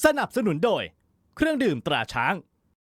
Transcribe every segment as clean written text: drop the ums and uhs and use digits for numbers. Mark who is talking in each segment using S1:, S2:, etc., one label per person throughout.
S1: สนับสนุนโดยเครื่องดื่มตราช้าง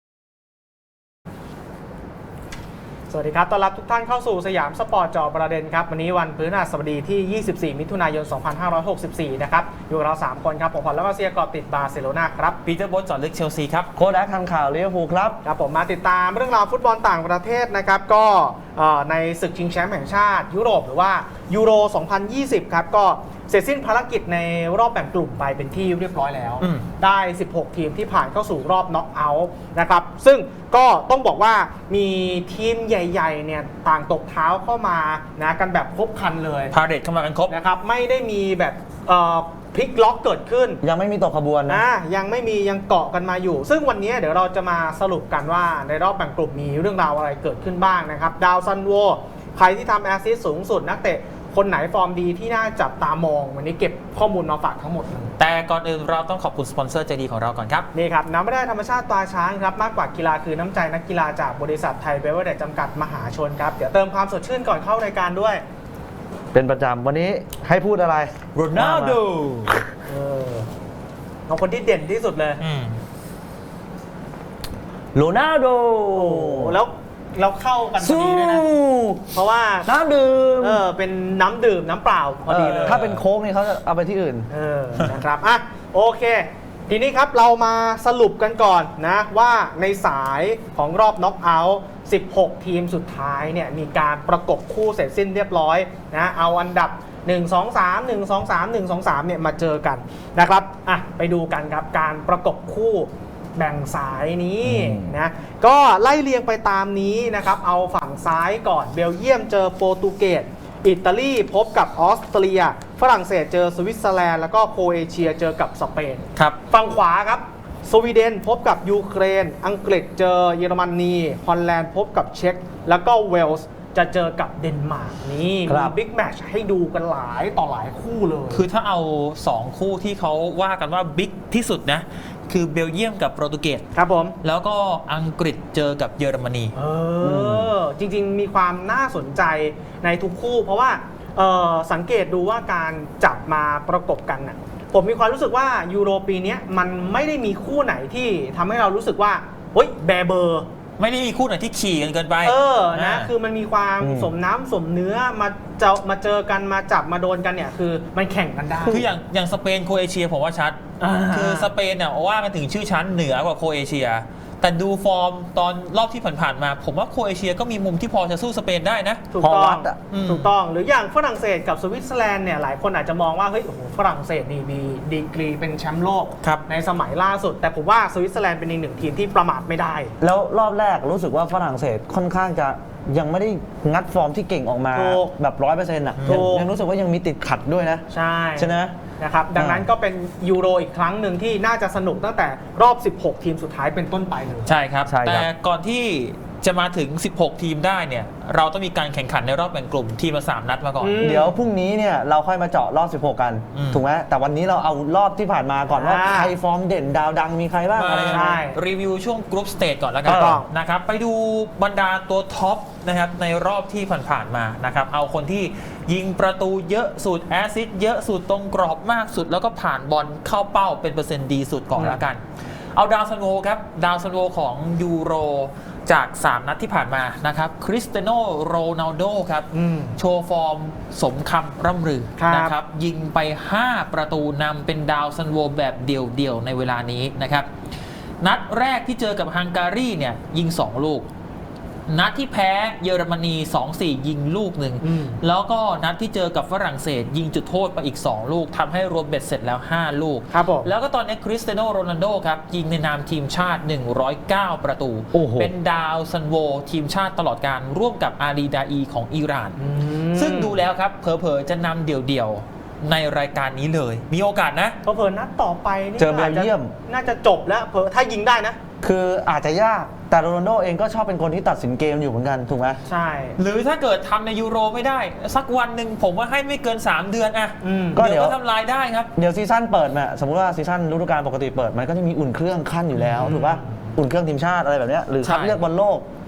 S2: สวัสดีครับต้อนรับทุกท่านเข้าสู่สยามสปอร์ตจอประเด็นครับวันนี้วันพฤหัสบดีที่ 24 มิถุนายน 2564 นะครับอยู่กับเรา 3 คนครับผมพลแล้วก็เซียกอบติดบาร์เซโลนาครับ
S3: ปีเตอร์โบ๊ทจอดลึกเชลซีครับ
S4: โค้ชแอคทำข่าวลิเวอร์พูลครับ
S2: ครับผมมาติดตามเรื่องราวฟุตบอลต่างประเทศนะครับก็ในศึกชิงแชมป์แห่งชาติยุโรปหรือว่ายูโร 2020 ครับก็เสร็จสิ้นภารกิจในรอบแบ่งกลุ่มไปเป็นที่เรียบร้อยแล้วได้ 16 ทีมที่ผ่านเข้าสู่รอบน็อกเอาท์นะครับซึ่งก็ต้องบอกว่ามีทีมใหญ่ๆเนี่ยต่างตกเท้าเข้ามานะกันแบบครบครันเลย
S3: พาเรดเข้ามากันครบ
S2: นะครับไม่ได้มีแบบพลิกล็อกเกิดขึ้น
S4: ยังไม่มีตกขบวนนะ
S2: ยังไม่มียังเกาะกันมาอยู่ซึ่งวันนี้เดี๋ยวเราจะมาสรุปกันว่าในรอบแบ่งกลุ่มมีเรื่องราวอะไรเกิดขึ้นบ้างนะครับดาวซันโวใครที่ทำแอสซิสต์สูงสุดนักเตะคนไหนฟอร์มดีที่น่าจับตามองวันนี้เก็บข้อมูลมาฝากทั้งหมดเลย
S3: แต่ก่อนอื่นเราต้องขอบคุณสปอนเซอร์ใจดีของเราก่อนครับ
S2: นี่ครับน้ำไม่ได้ธรรมชาติตราช้างครับมากกว่ากีฬาคือน้ำใจนักกีฬาจากบริษัทไทยเบเวอร์เรจจำกัดมหาชนครับเดี๋ยวเติมความสดชื่นก่อนเข้ารายการด้วย
S4: เป็นประจำวันนี้ให้พูดอะไร
S3: โรนัลโด
S2: เอาคนที่เด่นที่สุดเลย
S4: โรนัลโด
S2: แล้วเราเข้ากันพอดีเลยนะเพราะว่า
S4: น้ำดื่ม
S2: เป็นน้ำดื่มน้ำเปล่าพอดีเลย
S4: ถ้าเป็นโค้กนี่เขาจะเอาไปที่อื่น
S2: นะครับอ่ะโอเคทีนี้ครับเรามาสรุปกันก่อนนะว่าในสายของรอบน็อกเอาท์16 ทีมสุดท้ายเนี่ยมีการประกบคู่เสร็จสิ้นเรียบร้อยนะเอาอันดับ1 2 3 1 2 3 1 2 3เนี่ยมาเจอกันนะครับอ่ะไปดูกันครับการประกบคู่แบ่งสายนี้นะก็ไล่เรียงไปตามนี้นะครับเอาฝั่งซ้ายก่อนเบลเยียมเจอโปรตุเกสอิตาลีพบกับออสเตรียฝรั่งเศสเจอสวิตเซอร์แลนด์แล้วก็โครเอเชียเจอกับสเปน
S3: ครับ
S2: ฝั่งขวาครับสวีเดนพบกับยูเครนอังกฤษเจอเยอรมนีฮอลแลนด์พบกับเช็กแล้วก็เวลส์จะเจอกับเดนมาร์กนี่มีบิ๊กแมตช์ให้ดูกันหลายต่อหลายคู่เลย
S3: คือถ้าเอา2คู่ที่เขาว่ากันว่าบิ๊กที่สุดนะคือเบลเยียมกับโปรตุเกส
S2: ครับผม
S3: แล้วก็อังกฤษเจอกับเยอรมนี
S2: จริงๆมีความน่าสนใจในทุกคู่เพราะว่าสังเกตดูว่าการจับมาประกบกันน่ะผมมีความรู้สึกว่ายูโรปีนี้มันไม่ได้มีคู่ไหนที่ทำให้เรารู้สึกว่าเฮ้ยแบเบอร์
S3: ไม่ได้มีคู่ไหนที่ขี่กันเกินไป
S2: นะคือมันมีความสมน้ำสมเนื้อมาเจอกันมาจับมาโดนกันเนี่ยคือมันแข่งกันได้
S3: คืออย่างสเปนโครเอเชียผมว่าชัดคือสเปนเนี่ยว่ากันถึงชื่อชั้นเหนือกว่าโครเอเชียแต่ดูฟอร์มตอนรอบที่ผ่านๆมาผมว่าโครเอเชียก็มีมุมที่พอจะสู้สเปนได้นะ
S2: ถูกต้องหรืออย่างฝรั่งเศสกับสวิตเซอร์แลนด์เนี่ยหลายคนอาจจะมองว่าเฮ้ยโอ้โหฝรั่งเศสนี่มีดีกรีเป็นแชมป์โลกในสมัยล่าสุดแต่ผมว่าสวิตเซอร์แลนด์เป็นอีกหนึ่งทีมที่ประมาทไม่ได้
S4: แล้วรอบแรกรู้สึกว่าฝรั่งเศสค่อนข้างจะยังไม่ได้งัดฟอร์มที่เก่งออกมาแบบ 100% อ่ะยังรู้สึกว่ายังมีติดขัดด้วยนะใช่ไหม
S2: นะครับดังนั้นก็เป็นยูโรอีกครั้งหนึ่งที่น่าจะสนุกตั้งแต่รอบ16 ทีมสุดท้ายเป็นต้นไปเลย
S3: ใช่ครับแต่ก่อนที่จะมาถึง16 ทีมได้เนี่ยเราต้องมีการแข่งขันในรอบแบ่งกลุ่มทีมละ3 นัดมาก่อน
S4: เดี๋ยวพรุ่งนี้เนี่ยเราค่อยมาเจาะรอบ16กันถูกไหมแต่วันนี้เราเอารอบที่ผ่านมาก่อนว่าใครฟอร์มเด่นดาวดังมีใครบ้างอะไร
S3: ใช่รีวิวช่วงกรุ๊ปสเตจก่อนแล้วกันนะครับไปดูบรรดาตัวท็อปนะครับในรอบที่ผ่านๆมานะครับเอาคนที่ยิงประตูเยอะสุดแอสซิสต์เยอะสุดตรงกรอบมากสุดแล้วก็ผ่านบอลเข้าเป้าเป็นเปอร์เซ็นต์ดีสุดก่อนแล้วกันเอาดาวซันโวครับดาวซันโวของยูโรจาก3 นัดที่ผ่านมานะครับคริสเตียโนโรนัลโดครับโชว์ฟอร์มสมคำร่ำลือนะครับยิงไป5 ประตูนำเป็นดาวซันโวแบบเดี่ยวๆในเวลานี้นะครับนัดแรกที่เจอกับฮังการีเนี่ยยิง2 ลูกนัดที่แพ้เยอรมนี 2-4 ยิงลูกหนึ่งแล้วก็นัดที่เจอกับฝรั่งเศสยิงจุดโทษไปอีก2 ลูกทำให้รวมเบ็ดเสร็จแล้ว5 ลูกแล้วก็ตอนนี้คริสเตียโนโรนัลโดครับยิงในนามทีมชาติ109 ประตูเป็นดาวซันโวทีมชาติตลอดการร่วมกับอาลีดาอีของอิหร่านซึ่งดูแล้วครับเผลอๆจะนำเดี่ยวๆในรายการนี้เลยมีโอกาสนะ
S2: เผลอๆนัดต่อไปนี่
S4: เจอเบลเยียม
S2: น่าจะจบแล้วเผลอถ้ายิงได้นะ
S4: คืออาจจะยากแต่โรนัลโดเองก็ชอบเป็นคนที่ตัดสินเกมอยู่เหมือนกันถูกไหม
S2: ใช่
S3: หรือถ้าเกิดทำในยูโรไม่ได้สักวันหนึ่งผมว่าให้ไม่เกิน3 เดือนอะก็เดี๋ยวทำลายได้ครับ
S4: เดี๋ยวซีซั่นเปิดเนี่ยสมมติว่าซีซั่นฤดูกาลปกติเปิดมันก็จะมีอุ่นเครื่องขั้นอยู่แล้วถูกป่ะอุ่นเครื่องทีมชาติอะไรแบบนี้หรือคัดเลือกบอลโลก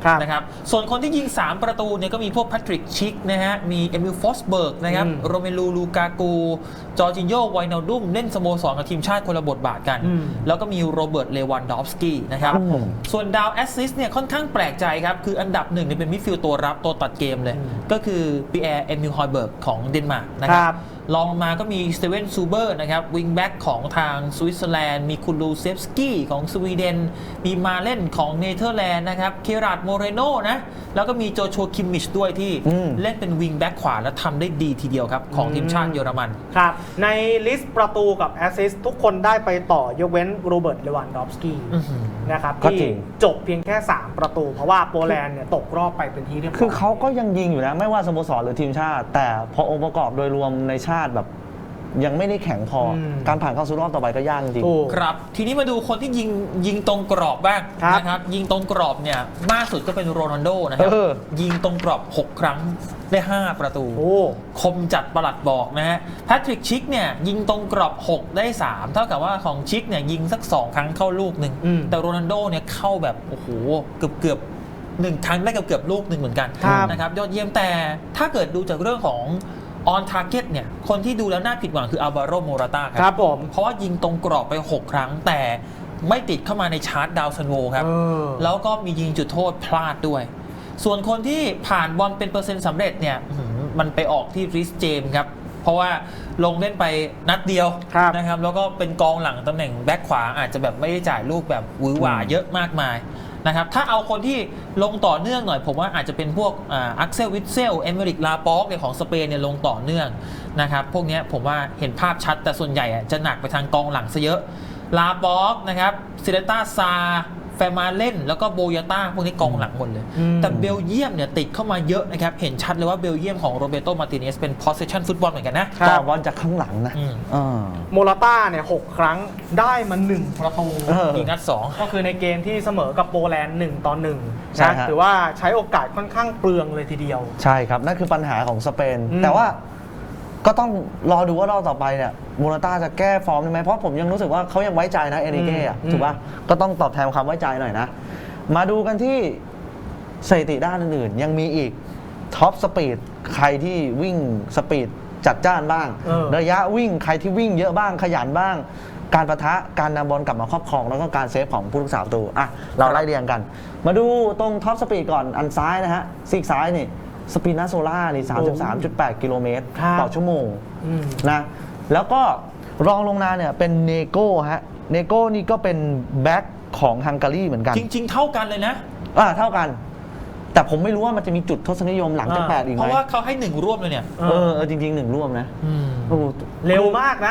S3: นะครับส่วนคนที่ยิง3ประตูเนี่ยก็มีพวกแพทริกชิกนะฮะมีเอมิลฟอสเบิร์กนะครับโรเมลูลูกากูจอร์จินโญไวนาลดุมเล่นสโมสรกับทีมชาติคนละบทบาทกันแล้วก็มีโรเบิร์ตเลวันดอฟสกี้นะครับส่วนดาวแอสซิสต์เนี่ยค่อนข้างแปลกใจครับคืออันดับ1เนี่ยเป็นมิดฟิลด์ตัวรับตัวตัดเกมเลยก็คือปีแอร์เอมิลฮอยเบิร์กของเดนมาร์กนะครับลองมาก็มีสเตเวนซูเบอร์นะครับวิงแบ็กของทางสวิตเซอร์แลนด์มีคุลูเซฟสกี้ของสวีเดนมีมาเล่นของเนเธอร์แลนด์นะครับเคราดโมเรโนนะแล้วก็มีโจชัวคิมมิชด้วยที่เล่นเป็นวิงแบ็กขวาและทำได้ดีทีเดียวครับของทีมชาติเยอรมัน
S2: ครับในลิสต์ประตูกับแอสซิสต์ทุกคนได้ไปต่อยกเว้นโรเบิร์ตเลวันดอฟสกี้นะครับที่จบเพียงแค่3ประตูเพราะว่าโปแลนด์เนี่ยตกรอบไปเป็นที่เรียบร้อย
S4: คือเขาก็ยังยิงอยู่นะไม่ว่าสโมสรหรือทีมชาติแต่พอองค์ประกอบโดยรวมในชาติแบบยังไม่ได้แข็งพอการผ่านเข้าสู่รอบต่อไปก็ยากจริง
S3: ครับทีนี้มาดูคนที่ยิงตรงกรอบบ้างนะครับยิงตรงกรอบเนี่ยมากสุดก็เป็นโรนัลโดนะครับยิงตรงกรอบ6ครั้งได้5ประตูคมจัดประหลัดบอกนะฮะแพทริกชิกเนี่ยยิงตรงกรอบ6ได้3เท่ากับว่าของชิกเนี่ยยิงสัก2ครั้งเข้าลูกหนึ่งแต่โรนัลโดเนี่ยเข้าแบบโอ้โหเกือบ1ครั้งได้เกือบลูกหนึ่งเหมือนกันนะครับยอดเยี่ยมแต่ถ้าเกิดดูจากเรื่องของon target เนี่ยคนที่ดูแล้วน่าผิดหวังคืออัลวาโรโมราตาครับผมเพราะว่ายิงตรงกรอบไป6ครั้งแต่ไม่ติดเข้ามาในชาร์ตดาวซันโวครับแล้วก็มียิงจุดโทษพลาดด้วยส่วนคนที่ผ่านบอลเป็นเปอร์เซ็นต์สำเร็จเนี่ยมันไปออกที่ริสเจมส์ครับเพราะว่าลงเล่นไปนัดเดียวนะครับแล้วก็เป็นกองหลังตำแหน่งแบ็คขวาอาจจะแบบไม่ได้จ่ายลูกแบบหวือหวาเยอะมากมายนะครับถ้าเอาคนที่ลงต่อเนื่องหน่อยผมว่าอาจจะเป็นพวกอักเซลวิทเซลเอเมริกลาปอกของสเปนเนี่ยลงต่อเนื่องนะครับพวกนี้ผมว่าเห็นภาพชัดแต่ส่วนใหญ่จะหนักไปทางกองหลังซะเยอะลาปอกนะครับซิเลต้าซาแฟมาเล่นแล้วก็โบยาต้าพวกนี้กองหลังหมดเลยแต่เบลเยียมเนี่ยติดเข้ามาเยอะนะครับเห็นชัดเลยว่าเบลเยียมของโรเบโตมาร์ติเนสเป็น possession ฟุตบอลเหมือนกันนะ
S4: ต่อบอลจากข้างหลังนะ
S2: โมราต้าเนี่ย6ครั้งได้มา1ประตู
S3: ยิงนัด2
S2: ก็คือในเกมที่เสมอกับโปแลนด์1-1นะถือว่าใช้โอกาสค่อนข้างเปลืองเลยทีเดียว
S4: ใช่ครับนั่นคือปัญหาของสเปนแต่ว่าก็ต้องรอดูว่ารอบต่อไปเนี่ยโมราต้าจะแก้ฟอร์มได้ไหมเพราะผมยังรู้สึกว่าเขายังไว้ใจนะเอริเก้ถูกป่ะก็ต้องตอบแทนความไว้ใจหน่อยนะมาดูกันที่สถิติด้านอื่นๆยังมีอีกท็อปสปีดใครที่วิ่งสปีดจัดจ้านบ้างระยะวิ่งใครที่วิ่งเยอะบ้างขยันบ้างการปะทะการนำบอลกลับมาครอบครองแล้วก็การเซฟของผู้รักษาประตูอ่ะเราไล่เรียงกันมาดูตรงท็อปสปีดก่อนอันซ้ายนะฮะซีกซ้ายนี่สปีนาโซล่านี่ 33.8 กิโลเมตรต่อชั่วโมงนะแล้วก็รองลงมาเนี่ยเป็นเนโก้ฮะเนโก้นี่ก็เป็นแบ็คของฮังการีเหมือนกัน
S3: จริงๆเท่ากันเลยนะ
S4: เท่ากันแต่ผมไม่รู้ว่ามันจะมีจุดทศนิยมหลังจาก8อีกไหม
S3: เพราะว่าเขาให้1ร่วมเลยเนี่ย
S4: จริงๆ1ร่วมนะ
S2: เร็วมากนะ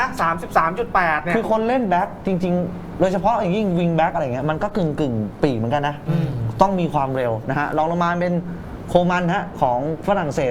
S2: 33.8 เนี่ย
S4: คือคนเล่นแบ็คจริงๆโดยเฉพาะอย่างยิ่งวิงแบ็คอะไรเงี้ยมันก็กึ่งปีกเหมือนกันนะต้องมีความเร็วนะฮะรองลงมาเป็นโคมันฮะของฝรั่งเศส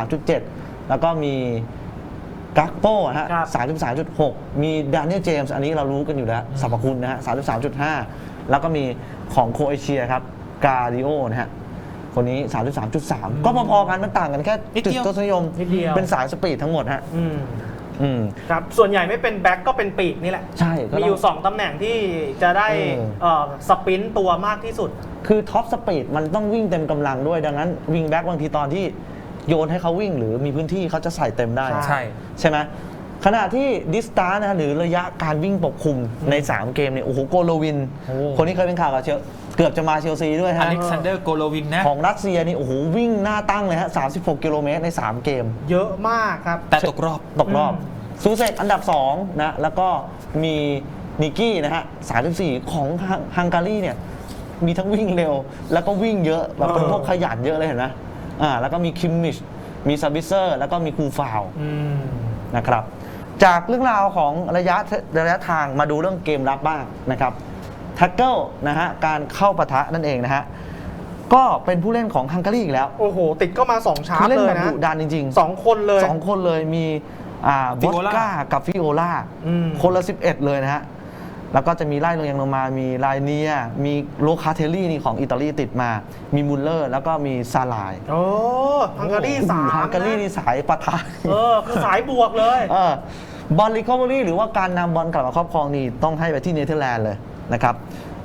S4: 33.7 แล้วก็มีกักโป้ฮะ 33.6 มีดานิเอลเจมส์อันนี้เรารู้กันอยู่แล้วสรรพคุณนะฮะ 33.5 แล้วก็มีของโครเอเชียครับกาดิโอนะฮะคนนี้ 33.3 ก็พอๆกันมันต่างกันแค่จุดทศนิยมเป็นสายสปีดทั้งหมดฮะ
S2: ครับส่วนใหญ่ไม่เป็นแบ็คก็เป็นปีกนี่แหละ
S4: ใช่
S2: มีอยู่2ตำแหน่งที่จะได้สปรินต์ตัวมากที่สุด
S4: คือท็อปสปีดมันต้องวิ่งเต็มกำลังด้วยดังนั้นวิงแบ็คบางทีตอนที่โยนให้เขาวิ่งหรือมีพื้นที่เขาจะใส่เต็มได้ใช่ไหมขณะที่ดิสตาร์นะหรือระยะการวิ่งปกคลุมใน3เกมเนี่ยโอ้โหโกโลวินคนนี้เคยเป็นข่าวกับเกือบจะมาเชลซีด้วยฮะ
S3: อเล็กซานเดอร์โกโลวินนะ
S4: ของรัสเซียนี่โอ้โหวิ่งหน้าตั้งเลยฮะ36 กิโลเมตรใน3เกม
S2: เยอะมากครับ
S3: แต่ตกรอบ
S4: ซูเซกอันดับ2นะแล้วก็มีนิกกี้นะฮะ34ของฮังการีเนี่ยมีทั้งวิ่งเร็วแล้วก็วิ่งเยอะแบบเป็นพวกขยันเยอะเลยเห็นไหมแล้วก็มีคิมมิชมีซาบิเซอร์แล้วก็มีคูฟาวนะครับจากเรื่องราวของระยะทางมาดูเรื่องเกมรับบ้างนะครับแท็กเกิลนะฮะการเข้าปะทะนั่นเองนะฮะก็เป็นผู้เล่นของฮังการีอีกแล้ว
S2: โอ้โหติดก็มา2ชาร์จเลยนะ
S4: ดุดันจริง
S2: ๆ2คน
S4: เลยมีบอสก้ากับฟิโอลาคนละ11เลยนะฮะแล้วก็จะมีไล่ลงมามีไลเนียมีโลคาเทลลี่นี่ของอิตาลีติดมามีมุลเลอร์แล้วก็มีซาลาย
S2: โอ้ฮังการี3
S4: ฮังการีนี่สายปะทะ
S2: คือสายบวกเลย
S4: บอลรีคอเวอรี่หรือว่าการนำบอลกลับมาครอบครองนี่ต้องให้ไปที่เนเธอร์แลนด์เลยนะครับ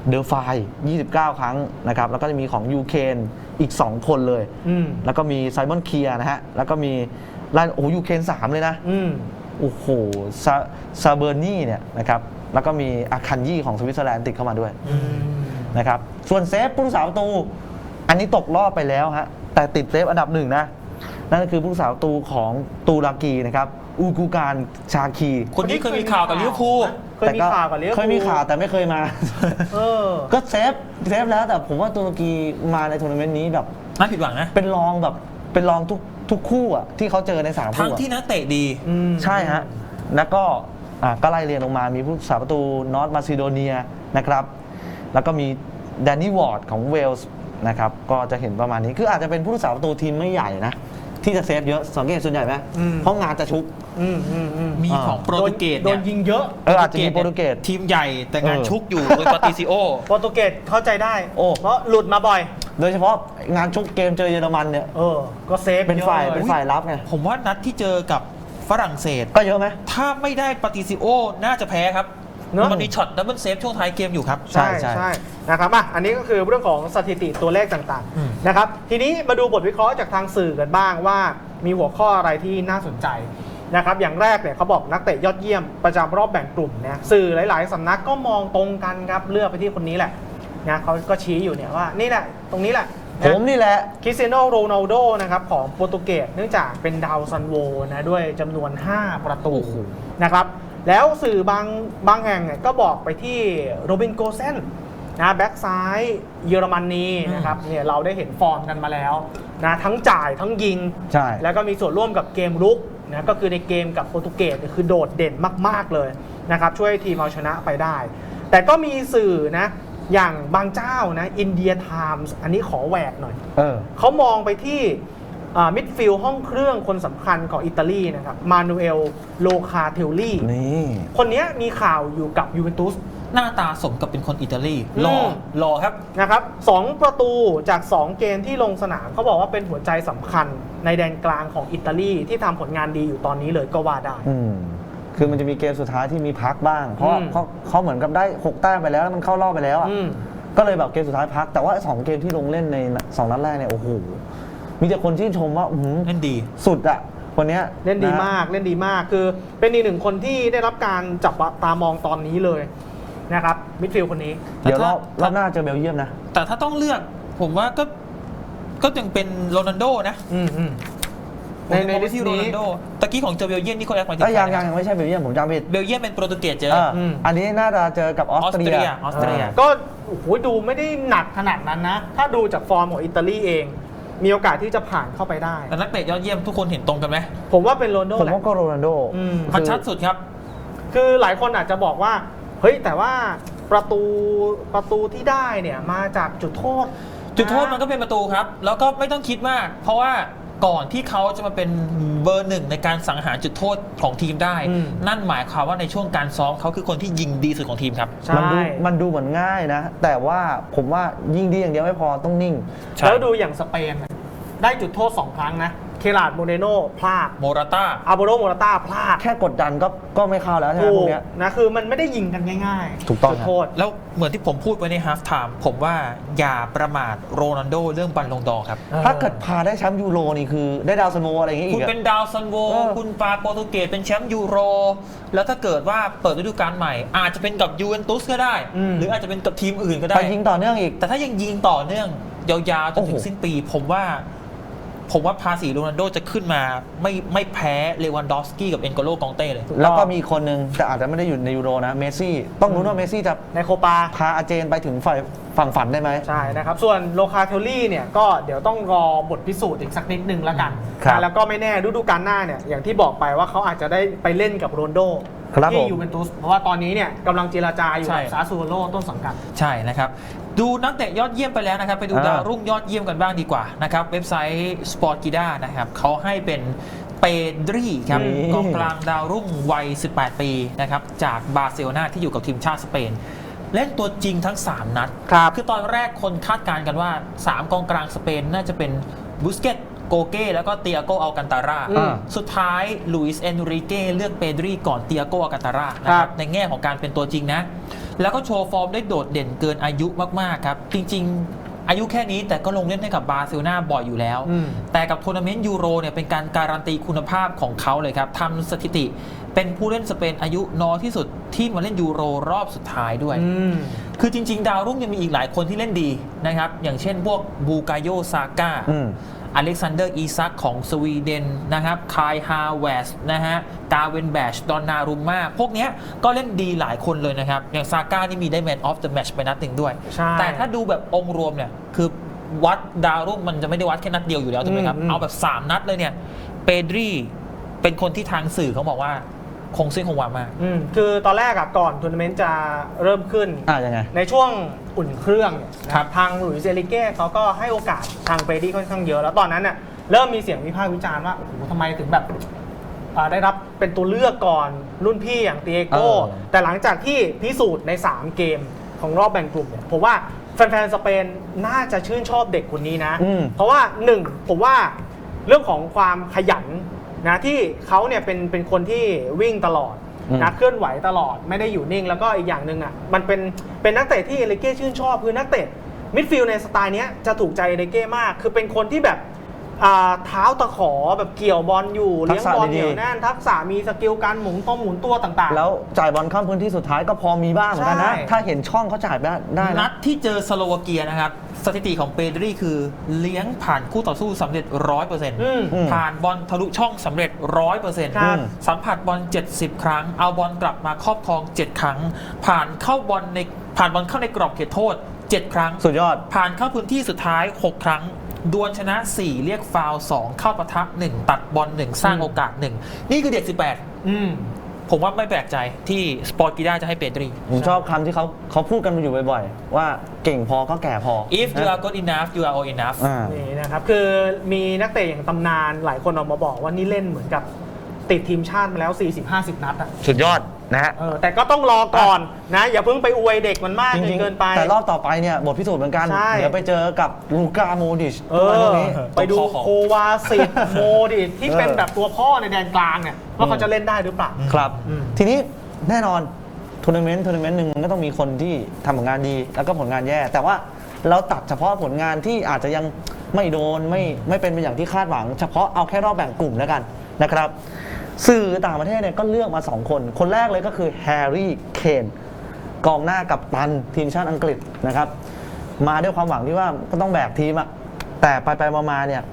S4: เดอฟาย29 ครั้งนะครับแล้วก็จะมีของยูเคนอีก 2 คนเลย แล้วก็มีไซมอนเคียร์นะฮะแล้วก็มีโอ้ยูเคน3เลยนะโอ้โหซาเบอร์นี่เนี่ยนะครับแล้วก็มีอาคันยี่ของสวิตเซอร์แลนด์ติดเข้ามาด้วยนะครับส่วนเซฟผู้รักษาประตูอันนี้ตกรอบไปแล้วฮะแต่ติดเซฟอันดับหนึ่งนะนั่นก็คือผู้รักษาประตูของตูรากีนะครับอูกูการชาคี
S3: คนนี้เคยมีข่าวกับลิเวอร์พูล
S2: เคยมีข่าวกับลิเวอร์พูล
S4: เคยมีข่าวแต่ไม่เคยมาก็เซฟแล้วแต่ผมว่าตูรกีมาในทัวร์นาเมนต์นี้แบบ
S3: น่าผิดหวังนะ
S4: เป็นรองทุกคู่อ่ะที่เขาเจอใน3
S3: ทั้
S4: คู่
S3: งที่นักเตะดี
S4: ใช่ฮะแล้วก็ก็ไล่เรียงลงมามีผู้รักษาประตูนอร์ทมาซิโดเนียนะครับแล้วก็มีแดนนี่วอร์ดของเวลส์นะครับก็จะเห็นประมาณนี้คืออาจจะเป็นผู้รักษาประตูทีมไม่ใหญ่นะที่จะเซฟเยอะสังเกตส่วนใหญ่ไหมเพราะงานจะชุก
S3: มีของโปรตุเกส
S2: โด
S3: เนี่ย
S2: นยิงเยอะ
S4: อาจจะมีโปรตุเกส
S3: ทีมใหญ่แต่งานชุกอยู่โดยปาติซิโอ
S2: โปรตุเกสเข้าใจได้
S4: โอ้
S2: เพราะหลุดมาบ่อย
S4: โดยเฉพาะงานชุกเกมเจอเยอรมันเนี่ย
S2: ก็เซฟ
S4: เป็นฝ่าย
S2: ยอะล
S4: เป็นฝ่ายรับไง
S3: ผมว่านัดที่เจอกับฝรั่งเศส
S4: ก็เยอะไหม
S3: ถ้าไม่ได้ปาติซิโอน่าจะแพ้ครับ
S2: เนอะ
S3: มันมีช็อตดับเบิลเซฟช่วงท้ายเกมอยู่ครับ
S2: ใช่นะครับอันนี้ก็คือเรื่องของสถิติตัวเลขต่าง
S3: อืม
S2: ๆนะครับทีนี้มาดูบทวิเคราะห์จากทางสื่อกันบ้างว่ามีหัวข้ออะไรที่น่าสนใจนะครับอย่างแรกเนี่ยเขาบอกนักเตะยอดเยี่ยมประจำรอบแบ่งกลุ่มเนี่ยสื่อหลายๆสำนักก็มองตรงกันครับเลือกไปที่คนนี้แหละนะเขาก็ชี้อยู่เนี่ยว่านี่แหละตรงนี้แหละ
S4: ผมนี่แหละ
S2: คริสเตียโนโรนัลโดนะครับของโปรตุเกสเนื่องจากเป็นดาวซันโวนะด้วยจำนวน 5 ประตูนะครับแล้วสื่อบางแห่งเนี่ยก็บอกไปที่โรบินโกเซนนะแบ็กซ้ายเยอรมนีนะครับเนี่ยเราได้เห็นฟอร์มกันมาแล้วนะทั้งจ่ายทั้งยิง
S4: ใช่
S2: แล้วก็มีส่วนร่วมกับเกมรุกนะก็คือในเกมกับโปรตุเกสเนี่ยคือโดดเด่นมากๆเลยนะครับช่วยทีมเอาชนะไปได้ แต่ก็มีสื่อนะอย่างบางเจ้านะอินเดียไทมส์อันนี้ขอแหวกหน่อยเขามองไปที่มิดฟิลด์ห้องเครื่องคนสำคัญของอิตาลีนะครับมานูเอลโลคาเทลลี่
S4: นี่
S2: คนนี้มีข่าวอยู่กับยูเวนตุส
S3: หน้าตาสมกับเป็นคนอิตาลีรอครับ
S2: นะครับ2ประตูจาก 2 เกมที่ลงสนามเขาบอกว่าเป็นหัวใจสำคัญในแดนกลางของอิตาลีที่ทำผลงานดีอยู่ตอนนี้เลยก็ว่าได้
S4: คือมันจะมีเกมสุดท้ายที่มีพักบ้าง เพราะเขาเหมือนกับได้6 แต้มไปแล้วมันเข้ารอบไปแล้วอ่ะก็เลยแบบเกมสุดท้ายพักแต่ว่า2 เกมที่ลงเล่นใน2 นัดแรกเนี่ยโอ้โหมีแต่คนชื่นชมว่า
S3: เล่นดี
S4: สุดอ่ะคนเนี้ย
S2: เล่นดีมากเล่นดีมากคือเป็นอีกหนึ่งคนที่ได้รับการจับตามองตอนนี้เลยนะครับมิดฟิลด์คนนี้
S4: เดี๋ยวรอบหน้าเจอเบลเยียมนะ
S3: แต่ถ้าต้องเลือกผมว่าก็ยังเป็นโรนัลโดนะในลิสต์นี้ตะกี้ของเจอเบลเยียมนี่เขาแอคมาที่
S4: ยังไม่ใช่เบลเยียมผมจำผิด
S3: เบลเยียมเป็นโปรตุเกสเจอ
S4: อันนี้น่าจะเจอกับออสเตรีย
S2: ก็โอ้โหดูไม่ได้หนักขนาดนั้นนะถ้าดูจากฟอร์มของอิตาลีเองมีโอกาสที่จะผ่านเข้าไปได้
S3: แต่นักเตะยอดเยี่ยมทุกคนเห็นตรงกันไหม
S2: ผมว่าเป็นโรนัลโด
S4: ผมว่าก็โรนัลโด
S3: ชัดสุดครับ
S2: คือหลายคนอาจจะบอกว่าเฮ้ยแต่ว่าประตูที่ได้เนี่ยมาจากจุดโทษ
S3: มันก็เป็นประตูครับแล้วก็ไม่ต้องคิดมากเพราะว่าก่อนที่เขาจะมาเป็นเบอร์ 1ในการสังหารจุดโทษของทีมได้นั่นหมายความว่าในช่วงการซ้อมเขาคือคนที่ยิงดีสุดของทีมครับ
S4: มันดูเหมือนง่ายนะแต่ว่าผมว่ายิงดีอย่างเดียวไม่พอต้องนิ่ง
S2: แล้วดูอย่างสเปนได้จุดโทษ2 ครั้งนะเคลาร์ดโมเรโน่พลาด
S3: โมราต้า
S2: อาโบโรโมราต้าพลาด
S4: แค่กดดันก็ไม่เข้าแล้วใช่ไหมพวกเนี้ย
S2: นะคือมันไม่ได้ยิงกันง่าย
S4: ๆถูกต้อง
S2: จุดโทษ
S3: แล้วเหมือนที่ผมพูดไว้ในฮาล์ฟไทม์ผมว่าอย่าประมาทโรนัลโดเรื่องบัลลงดอร์ครับ
S4: ถ้าเกิดพาได้แชมป์ยูโรนี่คือได้ดาวซันโวอะไรอย่างงี้อีก
S3: คุณเป็นดาวซันโวคุณพาโปรตุเกสเป็นแชมป์ยูโรแล้วถ้าเกิดว่าเปิดฤดูกาลใหม่อาจจะเป็นกับยูเวนตุสก็ได้หรืออาจจะเป็นกับทีมอื่นก็ได้
S4: ยิงต่อเนื่องอีก
S3: แต่ถ้ายังยิงต่อเนื่องยาวๆจนถึงสิ้นปีผมว่าภาษีโรนัลโดจะขึ้นมาไม่แพ้เลวันดอฟสกี้กับเอ็นโกโลกองเต้เลย
S4: แล้วก็มีคนหนึ่งแต่อาจจะไม่ได้อยู่ในยูโรนะเมสซี่ต้องรู้ว่าเมสซี่จะ
S2: ในโคปา
S4: พาอาร์เจนไปถึงฝั่งฝันได้ไหม
S2: ใช่นะครับส่วนโลคาเทลลี่เนี่ยก็เดี๋ยวต้องรอบทพิสูจน์อีกสักนิดนึงแล้วกันแล้วก็ไม่แน่ฤดูกาลหน้าเนี่ยอย่างที่บอกไปว่าเขาอาจจะได้ไปเล่นกับโรนัลโดที่ยูเวนตุสเพราะว่าตอนนี้เนี่ยกำลังเจรจาอยู่กับซาซูโวโลต้นสังกัด
S3: ใช่นะครับดูนักเตะยอดเยี่ยมไปแล้วนะครับไปดูดาวรุ่งยอดเยี่ยมกันบ้างดีกว่านะครับเว็บไซต์ Sportgida นะครับเขาให้เป็นเปดรีครับกองกลางดาวรุ่งวัย18 ปีนะครับจากบาร์เซโลนาที่อยู่กับทีมชาติสเปนเล่นตัวจริงทั้ง3 นัดคือตอนแรกคนคาดการณ์กันว่า3 กองกลางสเปนน่าจะเป็นบุสเกตโกเก้แล้วก็เตียโกอัลกันตาราสุดท้ายลุยส์เอนริเก้เลือกเปดรีก่อนเตียโกอัลกันตารานะครับในแง่ของการเป็นตัวจริงนะแล้วก็โชว์ฟอร์มได้โดดเด่นเกินอายุมากๆครับจริงๆอายุแค่นี้แต่ก็ลงเล่นให้กับบาร์เซโลนาบ่อยอยู่แล้วแต่กับทัวร์นาเมนต์ยูโรเนี่ยเป็นการการันตีคุณภาพของเขาเลยครับทำสถิติเป็นผู้เล่นสเปนอายุน้อยที่สุดที่มาเล่นยูโรรอบสุดท้ายด้วยคือจริงๆดาวรุ่งยังมีอีกหลายคนที่เล่นดีนะครับอย่างเช่นพวกบูกาโยซาก้าอเล็กซานเดอร์อีซักของสวีเดนนะครับคายฮาเวสนะฮะกาเวนแบชดอนนารุมมาพวกนี้ก็เล่นดีหลายคนเลยนะครับอย่างซาก้านี่มีได้แมนออฟเดอะแมตช์ไปนัดหนึ่งด้วยแต่ถ้าดูแบบองค์รวมเนี่ยคือวัดดาวรุ่งมันจะไม่ได้วัดแค่นัดเดียวอยู่แล้วถูกไหมครับเอาแบบ3นัดเลยเนี่ยเปดรีเป็นคนที่ทางสื่อเขาบอกว่าคงเส้นคงวามาก
S2: คือตอนแรกก่อนทัวร์นาเมนต์จะเริ่มขึ้น
S4: ยังไง
S2: ในช่วงอุ่นเครื่องทางหลุยส์เอลิเก้เขาก็ให้โอกาสทางเบรดี้ค่อนข้างเยอะแล้วตอนนั้นเนี่ยเริ่มมีเสียงวิพากษ์วิจารณ์ว่าโอ้โหทำไมถึงแบบได้รับเป็นตัวเลือกก่อนรุ่นพี่อย่างเตียโก้แต่หลังจากที่พิสูจน์ใน3เกมของรอบแบ่งกลุ่มเนี่ยผมว่าแฟนๆสเปนน่าจะชื่นชอบเด็กคนนี้นะเพราะว่า1ผมว่าเรื่องของความขยันนะที่เขาเนี่ยเป็นคนที่วิ่งตลอดนะเคลื่อนไหวตลอดไม่ได้อยู่นิ่งแล้วก็อีกอย่างหนึ่งมันเป็นนักเตะที่เอลิเก้ชื่นชอบคือนักเตะมิดฟิลด์ในสไตล์นี้จะถูกใจเอลิเก้มากคือเป็นคนที่แบบเท้าตะขอแบบเกี่ยวบอลอยู่เลี้ยงบอลเหนียวแน่นทักษะมีสกิลการหมุนตัวต่างๆ
S4: แล้วจ่ายบอลข้ามพื้นที่สุดท้ายก็พอมีบ้างเหมือนกันนะถ้าเห็นช่องเขาจ่ายได้
S3: นัดที่เจอสโลวาเกียนะครับสถิติของเปดรีคือเลี้ยงผ่านคู่ต่อสู้สำเร็จ 100% ผ่านบอลทะลุช่องสำเร็จ 100% สัมผัสบอล70 ครั้งเอาบอลกลับมาครอบครอง7ครั้งผ่านบอลเข้าในกรอบเขตโทษ7ครั้ง
S4: สุดยอด
S3: ผ่านเข้าพื้นที่สุดท้าย6ครั้งดวลชนะ4เรียกฟาวล์2เข้าปะทะ1ตัดบอล1สร้างโอกาส1นี่คือเด็ก18ผมว่าไม่แปลกใจที่สปอร์ตกีด้าจะให้เปดรี
S4: ผมชอบคำที่เขาพูดกันอยู่บ่อยๆว่าเก่งพอก็แก่พอ
S3: if you are good enough you are old enough
S2: นี่นะครับคือมีนักเตะอย่างตำนานหลายคนออกมาบอกว่านี่เล่นเหมือนกับติดทีมชาติมาแล้ว 40-50 นัด
S4: สุดยอดนะฮะ
S2: แต่ก็ต้องรอก่อนนะอย่าเพิ่งไปอวยเด็กมันมากเกินไป
S4: แต่รอบต่อไปเนี่ยบทพิสูจน์เหมือนกันเดี๋ยวไปเจอกับลูก้าโมดิช
S2: ไปดูโควาซิตโมดิชที่เป็นแบบตัวพ่อในแดนกลางเนี่ยว่าเขาจะเล่นได้หรือเปล่า
S4: ครับทีนี้แน่นอนทัวร์นาเมนต์หนึ่งก็ต้องมีคนที่ทำผลงานดีแล้วก็ผลงานแย่แต่ว่าเราตัดเฉพาะผลงานที่อาจจะยังไม่โดนไม่เป็นไปอย่างที่คาดหวังเฉพาะเอาแค่รอบแบ่งกลุ่มแล้วกันนะครับสื่อต่างประเทศเนี่ยก็เลือกมา2คนแรกเลยก็คือแฮร์รี่เคนกองหน้ากัปตันทีมชาติอังกฤษนะครับมาด้วยความหวังที่ว่าก็ต้องแบกทีมอะแต่ไปมาเนี่ย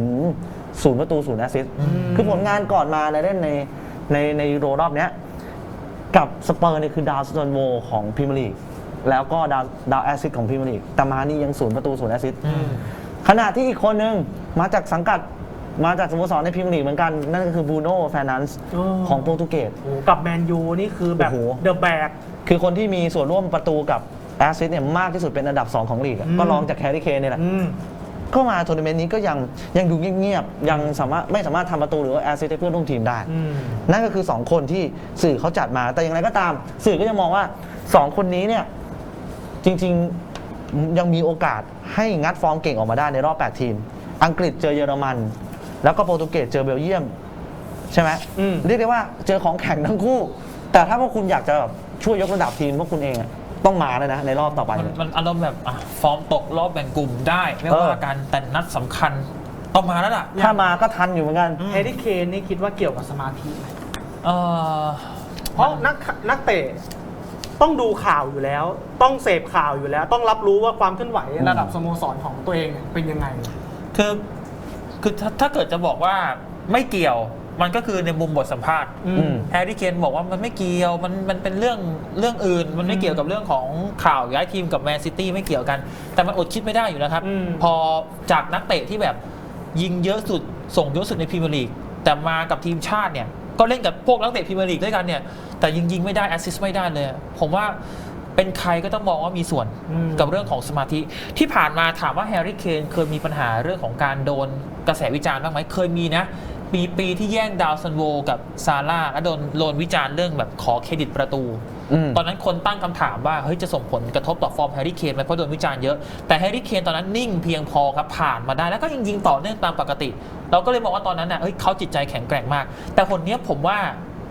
S4: 0 ประตู 0 แอสซิสต์คือผลงานก่อนมาเล่นในยูโรรอบเนี้ยกับสเปอร์เนี่ยคือดาวซันโวของพรีเมียร์ลีกแล้วก็ดาวแอสซิสต์ของพรีเมียร์ลีกแต่มานี่ยัง0 ประตู 0 แอสซิสต์ขณะที่อีกคนนึงมาจากสังกัดมาจากสโมสรในพรีเมียร์ลีกเหมือนกันนั่นก็คือบรูโน่เฟร์นันด์ของโปรตุเกส
S2: กับแมนยูนี่คือแบบเดอะแบก
S4: คือคนที่มีส่วนร่วมประตูกับแอสซิสต์เนี่ยมากที่สุดเป็นอันดับ2ของลีกก็รองจากแฮร์รี่เคนนี่แหละก็มาทัวร์นาเมนต์นี้ก็ยังดูเงียบๆยังไม่สามารถทำประตูหรือว่าแอสซิสต์ให้เพื่อนร่วมทีมได้นั่นก็คือ2คนที่สื่อเขาจัดมาแต่อย่างไรก็ตามสื่อก็ยังมองว่า2คนนี้เนี่ยจริงๆยังมีโอกาสให้งัดฟอร์มเก่งออกมาได้ในรอบ8ทีมอังกฤษเจอเยอรมันแล้วก็โปรตุเกสเจอเบลเยียมใช่ไหมเรียกได้ว่าเจอของแข็งทั้งคู่แต่ถ้าพวกคุณอยากจะช่วยยกระดับทีมพวกคุณเองต้องมาเลยนะในรอบต่อไป
S3: มันอารมณ์แบบฟอร์มตกรอบแบ่งกลุ่มได้ไม่ว่ากันแต่นัดสำคัญต้องมาแล้วล่ะ
S4: ถ้ามาก็ทันอยู่เหมือนกัน
S2: แฮร์รี่เคนนี่คิดว่าเกี่ยวกับสมาธิไหมเพราะนักเตะต้องดูข่าวอยู่แล้วต้องเสพข่าวอยู่แล้วต้องรับรู้ว่าความเคลื่อนไหวระดับสโมสรของตัวเองเป็นยังไง
S3: คือถ้าเกิดจะบอกว่าไม่เกี่ยวมันก็คือในมุมบทสัมภาษณ์แฮร์รี่เคนบอกว่ามันไม่เกี่ยวมันเป็นเรื่องอื่นมันไม่เกี่ยวกับเรื่องของข่าวย้ายทีมกับแมนซิตี้ไม่เกี่ยวกันแต่มันอดคิดไม่ได้อยู่แล้วครับพอจากนักเตะที่แบบยิงเยอะสุดส่งเยอะสุดในพรีเมียร์ลีกแต่มากับทีมชาติเนี่ยก็เล่นกับพวกนักเตะพรีเมียร์ลีกด้วยกันเนี่ยแต่ยิงไม่ได้แอสซิสต์ไม่ได้เลยผมว่าเป็นใครก็ต้องมองว่ามีส่วนกับเรื่องของสมาธิที่ผ่านมาถามว่าแฮร์รี่เคนเคยมีปัญหาเรื่องของการโดนกระแสวิจารณ์บ้างไหมเคยมีนะปีที่แย่งดาวซันโวกับซาร่าแล้วโดนวิจารณ์เรื่องแบบขอเครดิตประตูตอนนั้นคนตั้งคำถามว่าเฮ้ยจะส่งผลกระทบต่อฟอร์มแฮร์รี่เคนไหมเพราะโดนวิจารณ์เยอะแต่แฮร์รี่เคนตอนนั้นนิ่งเพียงพอครับผ่านมาได้แล้วก็ยิงต่อเนื่องตามปกติเราก็เลยมองว่าตอนนั้นน่ะเฮ้ยเขาจิตใจแข็งแกร่งมากแต่คนนี้ผมว่า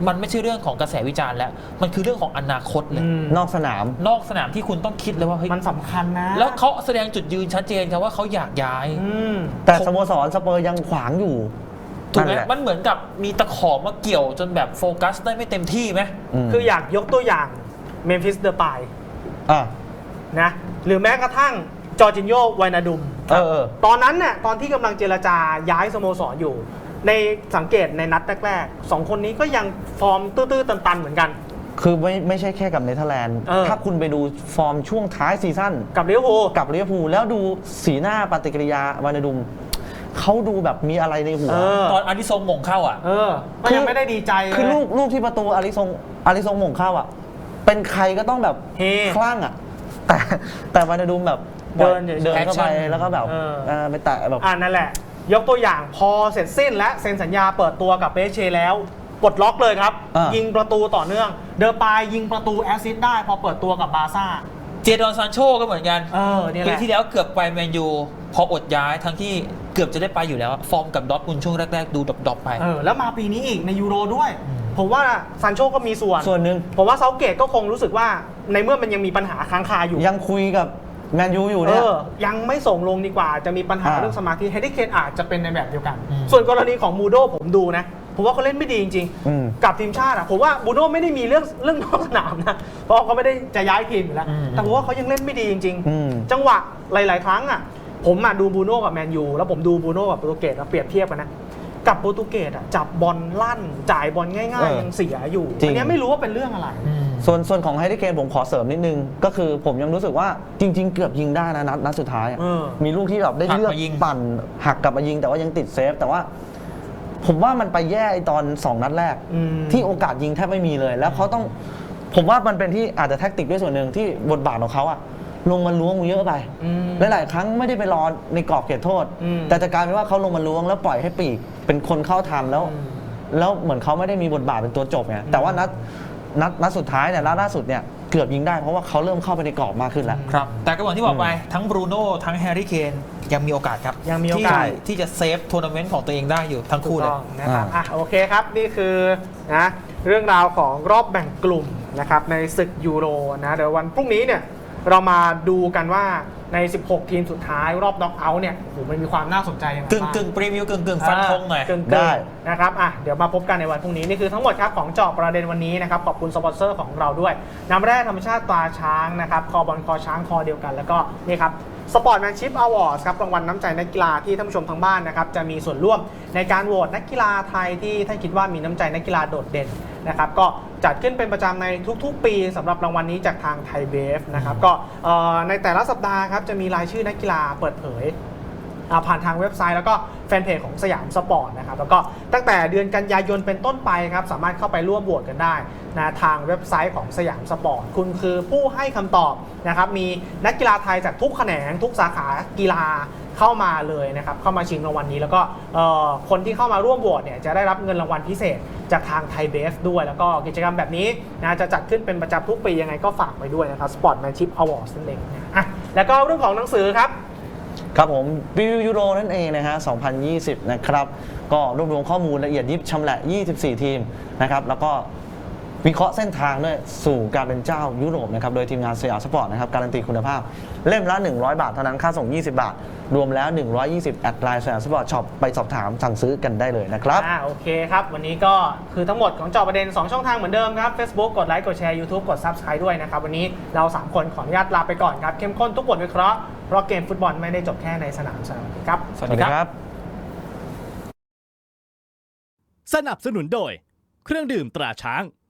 S3: มันไม่ใช่เรื่องของกระแสวิจารณ์แล้วมันคือเรื่องของอนาคตเลย
S4: นอกสนาม
S3: นอกสนามที่คุณต้องคิดเลยว่าเฮ้ย
S2: มันสำคัญนะ
S3: แล้วเขาแสดงจุดยืนชัดเจนครับว่าเขาอยากย้าย
S4: แต่สโมสรสเปอร์ยังขวางอยู่
S3: ถูกไหม
S4: นั่นแหละ
S3: มันเหมือนกับมีตะขอมาเกี่ยวจนแบบโฟกัสได้ไม่เต็มที่ไหม
S2: คืออยากยกตัวอย่างเมมฟิสเดอร์ปาย
S4: อ่ะ
S2: นะหรือแม้กระทั่งจอร์จินโญ่ไวนาดุม ตอนนั้นเนี่ยตอนที่กำลังเจรจาย้ายสโมสรอยู่ ในสังเกตในนัดแรกๆ2 คนนี้ก็ยังฟอร์มตื้อๆตันๆเหมือนกัน
S4: คือไม่ใช่แค่กับเนเธอร์แลนด์ ถ้าคุณไปดูฟอร์มช่วงท้ายซีซั่น
S2: กับลิเวอร์พูล
S4: กับลิเวอร์พูลแล้วดูสีหน้าปฏิกิริยาวานาดุมเขาดูแบบมีอะไรในหัว
S3: ตอนอาริซงหม่งเข้าอ่ะ
S2: ก็ยังไม่ได้ดีใจเลย
S4: คือลูกที่ประตูอาริซงหม่งเข้าอ่ะ เป็นใครก็ต้องแบบ
S2: เฮ
S4: คลั่งอ่ะ แต่วานาดุมแบบ
S2: เดินเฉยๆ
S4: เดินเข้าไป
S3: Action
S4: แล้วก็แบบไปแตะแบบ
S2: นั่นแหละ ยกตัวอย่างพอเสร็จสิ้นและเซ็นสัญญาเปิดตัวกับเปเชแล้วปลดล็อกเลยครับ ยิงประตูต่อเนื่อง เดอปายยิงประตูแอสซิสต์ได้พอเปิดตัวกับบาร์ซ่า
S3: เจดอนซานโชก็เหมือนกัน
S2: เนี่ยแห
S3: ปี
S2: ละ
S3: ที่แล้วเกือบไปแมนยูพออดย้ายทั้งที่เกือบจะได้ไปอยู่แล้ว ฟอร์มกับดอร์ทมุนด์ช่วงแรกๆ ดูดรอปๆไป
S2: แล้วมาปีนี้อีกในยูโรด้วย ผมว่าซานโชก็มีส่วน
S4: ส่วนหนึ่ง
S2: ผมว่าเซาเกตก็คงรู้สึกว่าในเมื่อมันยังมีปัญหาค้างคาอยู่
S4: ยังคุยกับแมนยูอยู่เนี่ย
S2: ยังไม่ส่งลงดีกว่าจะมีปัญหา
S4: อ่า
S2: เรื่องสมาธิเฮดิเคนอาจจะเป็นในแบบเดียวกัน
S3: อืม
S2: ส่วนกรณีของมูโดผมดูนะ ผมว่าเขาเล่นไม่ดีจริง กับทีมชาติอะผมว่าบูโน่ไม่ได้มีเรื่องนอกสนามนะ เพราะเขาไม่ได้จะย้ายทีมอยู่แล้ว แต่ผมว่าเขายังเล่นไม่ดีจริง ๆ จังหวะหลาย ๆ ครั้งอะผมอะดูบูโน่กับแมนยูแล้วผมดูบูโน่กับโปรตุเกสแล้วเปรียบเทียบกันนะกับโปรตุเกสอะจับบอลลั่นจ่ายบอลง่าย ๆ ยังเสียอยู่
S4: จริง
S2: อันเนี้ยไม่รู้ว่าเป็นเรื่องอะไร
S4: ส่วนของไฮริเคนผมขอเสริมนิดนึง ก็คือผมยังรู้สึกว่าจริง ๆ เกือบยิงได้นะนัดสุดท้ายอะมีลูกที่แบบได้เลือก
S3: หักมายิง
S4: ปั่นหักกลับมายิงแต่ว่ายังติดเซฟ แต่ว่า ผมว่ามันไปแย่ไอ้ตอน 2 นัดแรก ที่โอกาสยิงแทบไม่มีเลย แล้วเขาต้องผมว่ามันเป็นที่อาจจะแท็กติกด้วยส่วนหนึ่งที่บทบาทของเขาอะลงมาล้วงเยอะไปหลายๆครั้งไม่ได้ไปรอในกรอบเขตโทษ แต่จะกลายเป็นว่าเขาลงมาล้วงแล้วปล่อยให้ปีกเป็นคนเข้าทำแล้วเหมือนเขาไม่ได้มีบทบาทเป็นตัวจบไงแต่ว่านัดสุดท้ายเนี่ยล่าสุดเนี่ยเกือบยิงได้เพราะว่าเขาเริ่มเข้าไปในกรอบมากขึ้นแล้ว
S3: ครับ แต่ก็เหมือนที่บอกไปทั้งบรูโน่ทั้งแฮร์รี่เคนยังมีโอกาสครับ
S2: ยังมีโอกาส
S3: ที่จะเซฟทัวร์นาเมนต์ของตัวเองได้อยู่ทั้งคู่
S2: ถูก
S3: เลย
S2: ต้องนะครับโอเคครับนี่คือนะเรื่องราวของรอบแบ่งกลุ่มนะครับในศึกยูโรนะเดี๋ยววันพรุ่งนี้เนี่ยเรามาดูกันว่าใน 16 ทีมสุดท้ายรอบน็อกเอาท์เนี่ยโอ้โหมันมีความน่าสนใจยังไงบ้าง
S3: กึ่งปรีวิวกึ่งฟันธงหน่อย
S2: กึ่ง
S4: ได้
S2: นะครับเดี๋ยวมาพบกันในวันพรุ่งนี้นี่คือทั้งหมดครับของเจาะประเด็นวันนี้นะครับขอบคุณสปอนเซอร์ของเราด้วยน้ำแร่ธรรมชาติตราช้างนะครับคอบอลคอช้างคอเดียวกันแล้วก็นี่ครับสปอร์ตแมนชิพอวอร์ดครับรางวัลน้ำใจนักกีฬาที่ท่านผู้ชมทางบ้านนะครับจะมีส่วนร่วมในการโหวตนักกีฬาไทยที่ท่านคิดว่ามีน้ำใจนักกีฬาโดดเด่นนะครับก็จัดขึ้นเป็นประจำในทุกๆ ปีสำหรับรางวัลนี้จากทางไทยเบฟนะครับก็ในแต่ละสัปดาห์ครับจะมีรายชื่อนักกีฬาเปิดเผยผ่านทางเว็บไซต์แล้วก็แฟนเพจของสยามสปอร์ตนะครับแล้วก็ตั้งแต่เดือนกันยายนเป็นต้นไปครับสามารถเข้าไปร่วมโหวตกันได้นะทางเว็บไซต์ของสยามสปอร์ตคุณคือผู้ให้คำตอบนะครับมีนักกีฬาไทยจากทุกแขนงทุกสาขากีฬาเข้ามาเลยนะครับเข้ามาชิงรางวัลนี้แล้วก็คนที่เข้ามาร่วมโหวตเนี่ยจะได้รับเงินรางวัลพิเศษจากทางไทยเบฟด้วยแล้วก็กิจกรรมแบบนี้นะจะจัดขึ้นเป็นประจำทุกปียังไงก็ฝากไว้ด้วยนะครับ Sportsmanship Awards นั่นเองแล้วก็เรื่องของหนังสือครับ
S4: ครับผมวิวยูโรนั่นเองนะฮะ 2020 นะครับก็รวบรวมข้อมูลละเอียดยิบชำแหละ 24 ทีมนะครับแล้วก็วิเคราะห์เส้นทางด้วยสู่การเป็นเจ้ายุโรปนะครับโดยทีมงานสยามสปอร์ตนะครับการันตีคุณภาพเล่มละ100 บาทเท่านั้นค่าส่ง20 บาทรวมแล้ว120แอดไลน์สยามสปอร์ตช็อปไปสอบถามสั่งซื้อกันได้เลยนะครับ
S2: โอเคครับวันนี้ก็คือทั้งหมดของเจาะประเด็น2ช่องทางเหมือนเดิมครับ Facebook กดไลค์กดแชร์ YouTube กด Subscribe ด้วยนะครับวันนี้เรา3คนขออนุญาตลาไปก่อนครับเข้มข้นทุกบทวิเคราะห์เพราะเกมฟุตบอลไม่ได้จบแค่ในสนามครับ
S3: สวัสดีครับ
S1: สนับสนุนโดยเครื่องดื่มตราช้าง